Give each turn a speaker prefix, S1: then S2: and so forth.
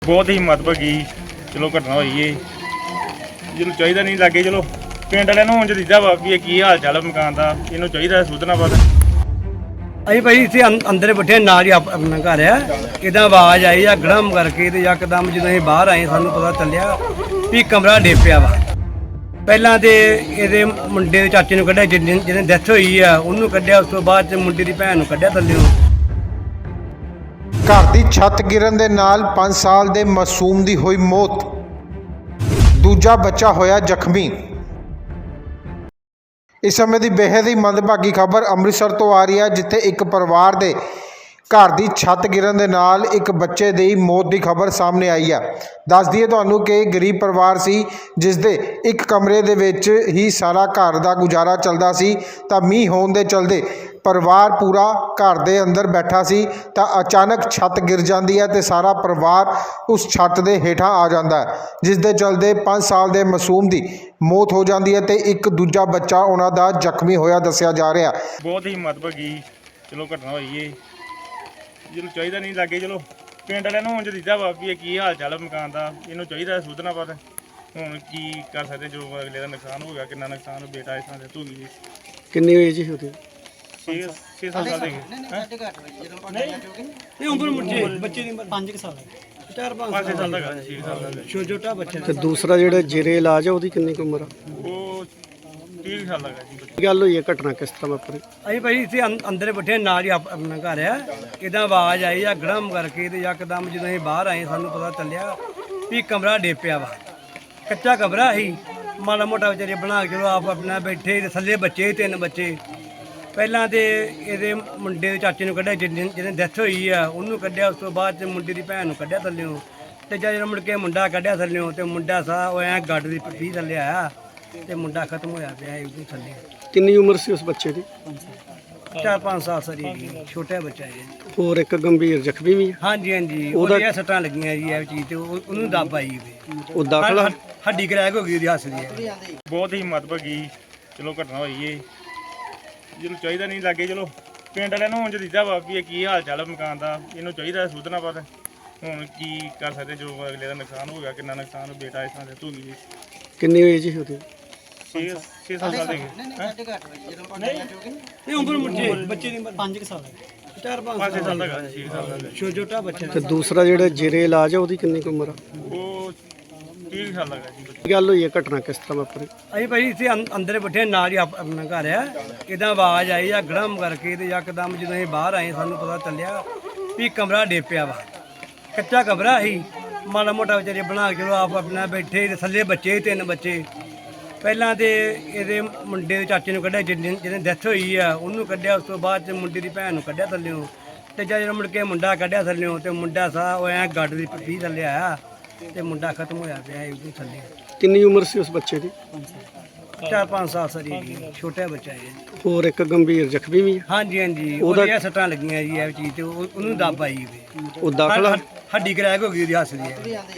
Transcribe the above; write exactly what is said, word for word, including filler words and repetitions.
S1: बहुत ही महत्वपूर्ण चलो घटना हुई है जिन्होंने चाहिए नहीं लागे चलो पिंड वाले ਨੂੰ ਉਂਝ ਦਿੱਤਾ ਵਾ ਵੀ ਇਹ ਕੀ ਹਾਲ ਚਾਲ ਮਕਾਨ ਦਾ ਇਹਨੂੰ ਚਾਹੀਦਾ ਸੁਧਨਾ ਪਤਾ
S2: ਅਸੀਂ ਭਾਈ ਇੱਥੇ ਅੰ- ਅੰਦਰ ਬੈਠੇ ਨਾਲ ਹੀ ਆਪ- ਆਪਣਾ ਘਰ ਆ ਕਿਦਾਂ ਆਵਾਜ਼ ਆਈ ਆ ਗੜਮ ਕਰਕੇ ਤੇ ਯਕਦਮ ਜਦੋਂ ਅਸੀਂ ਬਾਹਰ ਆਏ ਸਾਨੂੰ ਪਤਾ ਚੱਲਿਆ ਵੀ ਕਮਰਾ ਡੇਪਿਆ ਵਾ। ਪਹਿਲਾਂ ਤੇ ਇਹਦੇ ਮੁੰਡੇ ਦੇ ਚਾਚੇ ਨੂੰ ਕੱਢਿਆ ਜਿਹਨੇ ਜਿਹਨੇ ਡੈਥ ਹੋਈ ਆ ਉਹਨੂੰ ਕੱਢਿਆ, ਉਸ ਤੋਂ ਬਾਅਦ ਚ ਮੁੰਡੇ ਦੀ ਭੈਣ ਨੂੰ ਕੱਢਿਆ ਥੱਲਿਓਂ।
S3: ਘਰ ਦੀ ਛੱਤ ਗਿਰਨ ਦੇ ਨਾਲ ਪੰਜ ਸਾਲ ਦੇ ਮਾਸੂਮ ਦੀ ਹੋਈ ਮੌਤ, ਦੂਜਾ ਬੱਚਾ ਹੋਇਆ ਜ਼ਖਮੀ। ਇਸ ਸਮੇਂ ਦੀ ਬੇਹੱਦ ਹੀ ਮੰਦਭਾਗੀ ਖਬਰ ਅੰਮ੍ਰਿਤਸਰ ਤੋਂ ਆ ਰਹੀ ਹੈ, ਜਿੱਥੇ ਇੱਕ ਪਰਿਵਾਰ ਦੇ ਘਰ ਦੀ ਛੱਤ ਗਿਰਨ ਦੇ ਨਾਲ ਇੱਕ ਬੱਚੇ ਦੀ ਮੌਤ ਦੀ ਖਬਰ ਸਾਹਮਣੇ ਆਈ ਹੈ। ਦੱਸ ਦਈਏ ਤੁਹਾਨੂੰ ਕਿ ਗਰੀਬ ਪਰਿਵਾਰ ਸੀ, ਜਿਸ ਦੇ ਇੱਕ ਕਮਰੇ ਦੇ ਵਿੱਚ ਹੀ ਸਾਰਾ ਘਰ ਦਾ ਗੁਜ਼ਾਰਾ ਚੱਲਦਾ ਸੀ। ਤਾਂ ਮੀਂਹ ਹੋਣ ਦੇ ਚਲਦੇ ਪਰਿਵਾਰ ਪੂਰਾ ਘਰ ਦੇ ਅੰਦਰ ਬੈਠਾ ਸੀ ਤਾਂ ਅਚਾਨਕ ਛੱਤ ਗਿਰ ਜਾਂਦੀ ਹੈ ਤੇ ਸਾਰਾ ਪਰਿਵਾਰ ਉਸ ਛੱਤ ਦੇ ਹੇਠਾਂ ਆ ਜਾਂਦਾ ਹੈ, ਜਿਸ ਦੇ ਚਲਦੇ ਪੰਜ ਸਾਲ ਦੇ ਮਾਸੂਮ ਦੀ ਮੌਤ ਹੋ ਜਾਂਦੀ ਹੈ ਤੇ ਇੱਕ ਦੂਜਾ ਬੱਚਾ ਉਹਨਾਂ ਦਾ ਜ਼ਖਮੀ ਹੋਇਆ ਦੱਸਿਆ ਜਾ ਰਿਹਾ।
S1: ਬਹੁਤ ਹੀ महत्वपूर्ण ਚਲੋ ਘਟਨਾ ਹੋਈ ਹੈ ਜਿਹਨੂੰ ਚਾਹੀਦਾ ਨਹੀਂ ਲਾਗੇ ਚਲੋ ਪਿੰਡ ਵਾਲਿਆਂ ਨੂੰ ਉਂਝ ਦਿੱਤਾ ਵਾ ਵੀ ਇਹ ਕੀ ਹਾਲ ਚਾਲ ਮਕਾਨ ਦਾ ਇਹਨੂੰ ਚਾਹੀਦਾ ਸੁਧਨਾ ਪਤਾ ਹੁਣ ਕੀ ਕਰ ਸਕਦੇ ਜੋ ਅਗਲੇ ਦਾ ਨੁਕਸਾਨ ਹੋ ਗਿਆ ਕਿੰਨਾ ਨੁਕਸਾਨ ਬੇਟਾ ਇਸ ਤਰ੍ਹਾਂ ਦੇ ਧੂਗੀ ਜੀ
S2: ਕਿੰਨੀ ਹੋਈ ਜੀ ਉਹਦੀ?
S1: ਛੇ ਛੇ ਸਾਲ ਦੇ ਹੈਂ?
S2: ਇਹ ਉਮਰ ਮੁੱਢੇ ਬੱਚੇ ਦੀ ਪੰਜ ਸਾਲ ਚਾਰ ਪੰਜ
S1: ਪੰਜ ਛੇ ਸਾਲ ਦਾ ਹੈਗਾ, ਛੇ ਸਾਲ ਦਾ ਹੈਗਾ।
S2: ਛੋਟਾ ਛੋਟਾ ਬੱਚਾ। ਤੇ ਦੂਸਰਾ ਜਿਹੜਾ ਜੇਰੇ ਇਲਾਜ ਆ ਉਹਦੀ ਕਿੰਨੀ ਕੁ ਉਮਰ ਆ?
S1: ਉਹ ਤੀਹ ਸਾਲ ਦਾ ਹੈਗਾ ਜੀ ਬੱਚਾ।
S2: ਕੀ ਗੱਲ ਹੋਈ ਹੈ, ਘਟਨਾ ਕਿਸ ਤਰ੍ਹਾਂ ਵਾਪਰੀ? ਅਸੀਂ ਭਾਈ ਇੱਥੇ ਅੰ- ਅੰਦਰ ਬੈਠੇ ਨਾਲ ਹੀ ਆਪ- ਆਪਣਾ ਘਰ ਆ ਕਿਦਾਂ ਆਵਾਜ਼ ਆਈ ਆ ਗੜਮ ਕਰਕੇ ਤੇ ਯਕਦਮ ਜਦੋਂ ਅਸੀਂ ਬਾਹਰ ਆਏ ਸਾਨੂੰ ਪਤਾ ਚੱਲਿਆ ਵੀ ਕਮਰਾ ਡੇਪਿਆ ਵਾ। ਕੱਚਾ ਕਮਰਾ ਸੀ, ਮਾੜਾ ਮੋਟਾ ਵਿਚਾਰੇ ਬਣਾ ਕੇ ਚਲੋ ਆਪ ਆਪਣਾ ਬੈਠੇ ਤੇ ਥੱਲੇ ਬੱਚੇ ਸੀ, ਤਿੰਨ ਬੱਚੇ। ਪਹਿਲਾਂ ਤੇ ਇਹਦੇ ਮੁੰਡੇ ਦੇ ਚਾਚੇ ਨੂੰ ਕੱਢਿਆ ਜਿਹਨੇ ਜਿਹਨੇ ਡੈਥ ਹੋਈ ਆ ਉਹਨੂੰ ਕੱਢਿਆ, ਉਸ ਤੋਂ ਬਾਅਦ ਚ ਮੁੰਡੇ ਦੀ ਭੈਣ ਨੂੰ ਕੱਢਿਆ ਥੱਲਿਓਂ। ਤੇ ਜਦੋਂ ਮੁੜ ਕੇ ਮੁੰਡਾ ਕੱਢਿਆ ਥੱਲਿਓਂ ਤੇ ਮੁੰਡਾ ਸਾਹ ਉਹ ਐਂ ਗੱਡ ਦੀ ਪੱਟੀ ਥੱਲੇ ਆਇਆ ਤੇ ਮੁੰਡਾ ਖਤਮ ਹੋਇਆ ਪਿਆ ਇਹਦੇ ਥੱਲੇ।
S4: ਕਿੰਨੀ ਉਮਰ ਸੀ ਉਸ ਬੱਚੇ ਦੀ?
S2: ਚਾਰ ਪੰਜ ਸਾਲ ਸਰੀ ਜੀ, ਛੋਟਾ ਬੱਚਾ ਹੈ।
S4: ਹੋਰ ਇੱਕ ਗੰਭੀਰ ਜ਼ਖਮੀ ਵੀ ਹੈ।
S2: ਹਾਂਜੀ ਹਾਂਜੀ,
S4: ਉਹਦਾ-
S2: ਉਹਦੀਆਂ ਸੱਟਾਂ ਲੱਗੀਆਂ ਜੀ ਇਹ ਚੀਜ਼ ਤੇ ਉਹ- ਉਹਨੂੰ ਦੱਬ ਆਈ ਵੀ
S4: ਉਹ ਦਾਖਲਾ
S2: ਹੱਡੀ ਕਰੈਕ ਹੋ ਗਈ ਉਹਦੀ ਹੱਸ ਦੀ।
S1: ਬਹੁਤ ਹੀ महत्वपूर्ण ਚਲੋ ਘਟਨਾ ਹੋਈ ਹੈ ਜਿਹਨੂੰ ਚਾਹੀਦਾ ਨਹੀਂ ਲਾਗੇ ਚਲੋ ਪਿੰਡ ਵਾਲਿਆਂ ਨੂੰ ਉਂਝ ਦਿੱਤਾ ਵਾ ਵੀ ਇਹ ਕੀ ਹਾਲ ਚਾਲ ਮਕਾਨ ਦਾ ਇਹਨੂੰ ਚਾਹੀਦਾ ਸੁਧਨਾ ਪਤਾ ਹੁਣ ਕੀ ਕਰ ਸਕਦੇ ਜੋ ਅਗਲੇ ਦਾ ਨੁਕਸਾਨ ਹੋ ਗਿਆ ਕਿੰਨਾ ਨੁਕਸਾਨ ਬੇਟਾ ਇਸ ਤਰ੍ਹਾਂ ਦੇ ਧੂਗੀ ਜੀ
S4: ਕਿੰਨੀ ਹੋਈ ਜੀ ਉਹਦੀ?
S1: ਛੇ ਛੇ ਸਾਲ ਦੇ ਹੈਂ?
S2: ਇਹ ਉਮਰ ਮੁੱਢੇ ਬੱਚੇ ਦੀ ਪੰਜ ਸਾਲ ਚਾਰ ਪੰਜ
S1: ਪੰਜ ਛੇ ਸਾਲ ਦਾ ਹੈਗਾ, ਛੇ ਸਾਲ ਦਾ ਹੈਗਾ।
S2: ਛੋਟਾ ਛੋਟਾ ਬੱਚਾ।
S4: ਤੇ ਦੂਸਰਾ ਜਿਹੜਾ ਜੇਰੇ ਇਲਾਜ ਆ ਉਹਦੀ ਕਿੰਨੀ ਕੁ ਉਮਰ ਆ?
S1: ਉਹ ਤੀਹ ਸਾਲ ਦਾ ਹੈਗਾ ਜੀ ਬੱਚਾ।
S4: ਕੀ ਗੱਲ ਹੋਈ ਹੈ, ਘਟਨਾ ਕਿਸ ਤਰ੍ਹਾਂ ਵਾਪਰੀ?
S2: ਅਸੀਂ ਭਾਈ ਇੱਥੇ ਅੰ- ਅੰਦਰ ਬੈਠੇ ਨਾਲ ਹੀ ਆਪ- ਆਪਣਾ ਘਰ ਆ ਕਿਦਾਂ ਆਵਾਜ਼ ਆਈ ਆ ਗੜਮ ਕਰਕੇ ਤੇ ਯਕਦਮ ਜਦੋਂ ਅਸੀਂ ਬਾਹਰ ਆਏ ਸਾਨੂੰ ਪਤਾ ਚੱਲਿਆ ਵੀ ਕਮਰਾ ਡੇਪਿਆ ਵਾ। ਕੱਚਾ ਕਮਰਾ ਸੀ, ਮਾੜਾ ਮੋਟਾ ਵਿਚਾਰੇ ਬਣਾ ਕੇ ਚਲੋ ਆਪ ਆਪਣਾ ਬੈਠੇ ਤੇ ਥੱਲੇ ਬੱਚੇ ਸੀ, ਤਿੰਨ ਬੱਚੇ। ਪਹਿਲਾਂ ਤੇ ਇਹਦੇ ਮੁੰਡੇ ਦੇ ਚਾਚੇ ਨੂੰ ਕੱਢਿਆ ਜਿਹਨੇ ਜਿਹਨੇ ਡੈਥ ਹੋਈ ਆ ਉਹਨੂੰ ਕੱਢਿਆ, ਉਸ ਤੋਂ ਬਾਅਦ ਚ ਮੁੰਡੇ ਦੀ ਭੈਣ ਨੂੰ ਕੱਢਿਆ ਥੱਲਿਓਂ। ਤੇ ਜਦੋਂ ਮੁੜ ਕੇ ਮੁੰਡਾ ਕੱਢਿਆ ਥੱਲਿਓਂ ਤੇ ਮੁੰਡਾ ਸਾਹ ਉਹ ਐਂ ਗੱਡ ਦੀ ਪੱਟੀ ਥੱਲੇ ਆਇਆ ਤੇ ਮੁੰਡਾ ਖਤਮ ਹੋਇਆ ਪਿਆ ਇਹਦੇ ਥੱਲੇ।
S4: ਕਿੰਨੀ ਉਮਰ ਸੀ ਉਸ ਬੱਚੇ ਦੀ?
S2: ਚਾਰ ਪੰਜ ਸਾਲ ਸਰੀ ਜੀ, ਛੋਟਾ ਬੱਚਾ ਹੈ।
S4: ਹੋਰ ਇੱਕ ਗੰਭੀਰ ਜ਼ਖਮੀ ਵੀ ਹੈ।
S2: ਹਾਂਜੀ ਹਾਂਜੀ,
S4: ਉਹਦਾ-
S2: ਉਹਦੀਆਂ ਸੱਟਾਂ ਲੱਗੀਆਂ ਜੀ ਇਹ ਚੀਜ਼ ਤੇ ਉਹ- ਉਹਨੂੰ ਦੱਬ ਆਈ ਵੀ
S4: ਉਹ ਦਾਖਲਾ
S2: ਹੱਡੀ ਕਰੈਕ ਹੋ ਗਈ ਉਹਦੀ ਹੱਸ ਦੀ।